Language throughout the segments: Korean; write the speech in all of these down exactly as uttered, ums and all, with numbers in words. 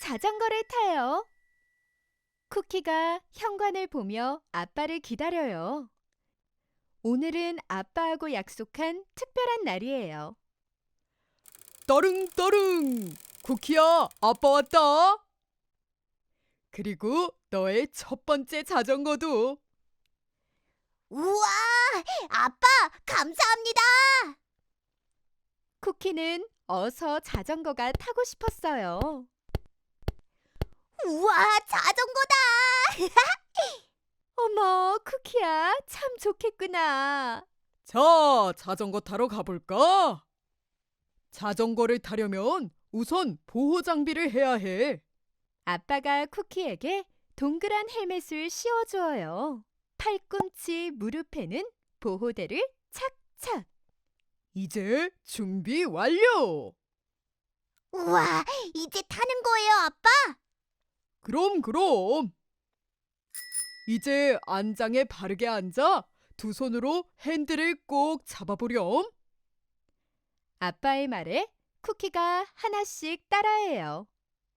자전거를 타요. 쿠키가 현관을 보며 아빠를 기다려요. 오늘은 아빠하고 약속한 특별한 날이에요. 따릉따릉! 쿠키야, 아빠 왔다! 그리고 너의 첫 번째 자전거도. 우와! 아빠, 감사합니다! 쿠키는 어서 자전거가 타고 싶었어요. 우와, 자전거다! 어머, 쿠키야, 참 좋겠구나. 자, 자전거 타러 가볼까? 자전거를 타려면 우선 보호 장비를 해야 해. 아빠가 쿠키에게 동그란 헬멧을 씌워주어요. 팔꿈치, 무릎에는 보호대를 착착. 이제 준비 완료! 우와, 이제 타는 거예요, 아빠? 그럼 그럼. 이제 안장에 바르게 앉아 두 손으로 핸들을 꼭 잡아보렴. 아빠의 말에 쿠키가 하나씩 따라해요.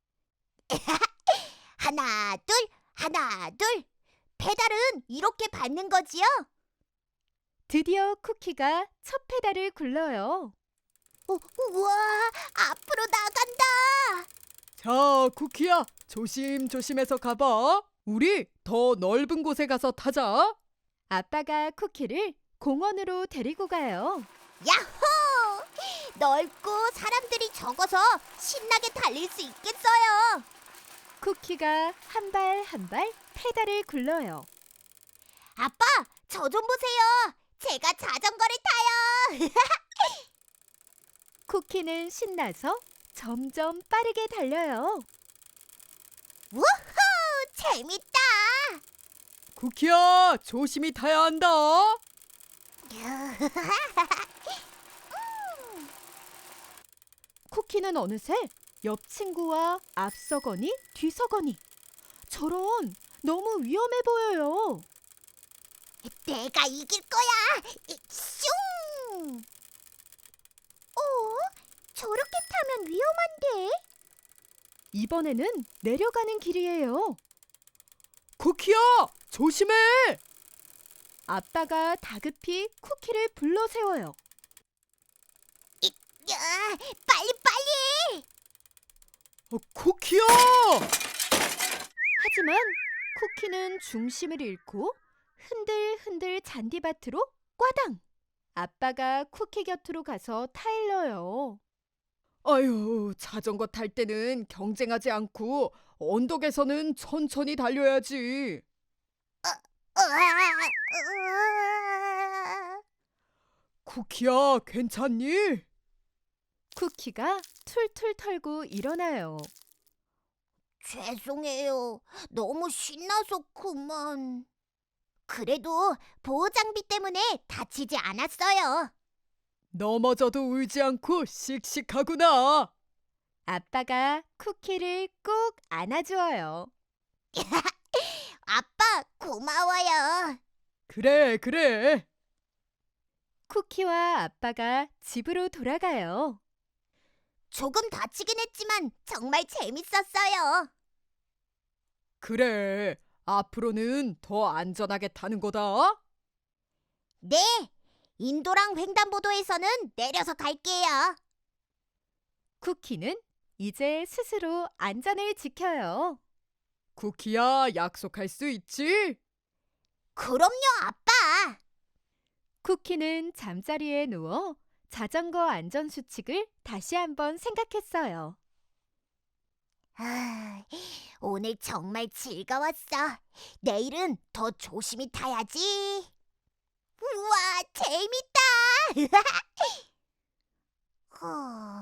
하나, 둘, 하나, 둘. 페달은 이렇게 밟는 거지요? 드디어 쿠키가 첫 페달을 굴러요. 우, 우와, 앞으로 나간다! 자, 쿠키야, 조심조심해서 가봐. 우리 더 넓은 곳에 가서 타자. 아빠가 쿠키를 공원으로 데리고 가요. 야호! 넓고 사람들이 적어서 신나게 달릴 수 있겠어요. 쿠키가 한 발 한 발 페달을 굴러요. 아빠, 저 좀 보세요. 제가 자전거를 타요. 쿠키는 신나서 점점 빠르게 달려요. 우후! 재밌다. 쿠키야, 조심히 타야 한다. 쿠키는 어느새 옆 친구와 앞서거니 뒤서거니. 저런, 너무 위험해 보여요. 내가 이길 거야. 슝! 어? 저렇게 타면 위험한데? 이번에는 내려가는 길이에요. 쿠키야, 조심해. 아빠가 다급히 쿠키를 불러 세워요. 야, 빨리 빨리! 어, 쿠키야! 하지만 쿠키는 중심을 잃고 흔들흔들 잔디밭으로 꽈당! 아빠가 쿠키 곁으로 가서 타일러요. 아유, 자전거 탈 때는 경쟁하지 않고 언덕에서는 천천히 달려야지. 으아, 쿠키야, 괜찮니? 쿠키가 툴툴 털고 일어나요. 죄송해요. 너무 신나서 그만. 그래도 보호 장비 때문에 다치지 않았어요. 넘어져도 울지 않고 씩씩하구나. 아빠가 쿠키를 꼭 안아주어요. 아빠, 고마워요. 그래, 그래. 쿠키와 아빠가 집으로 돌아가요. 조금 다치긴 했지만 정말 재밌었어요. 그래. 앞으로는 더 안전하게 타는 거다. 네, 인도랑 횡단보도에서는 내려서 갈게요. 쿠키는 이제 스스로 안전을 지켜요. 쿠키야, 약속할 수 있지? 그럼요, 아빠. 쿠키는 잠자리에 누워 자전거 안전 수칙을 다시 한번 생각했어요. 아, 오늘 정말 즐거웠어. 내일은 더 조심히 타야지. 우와, 재밌다. 후.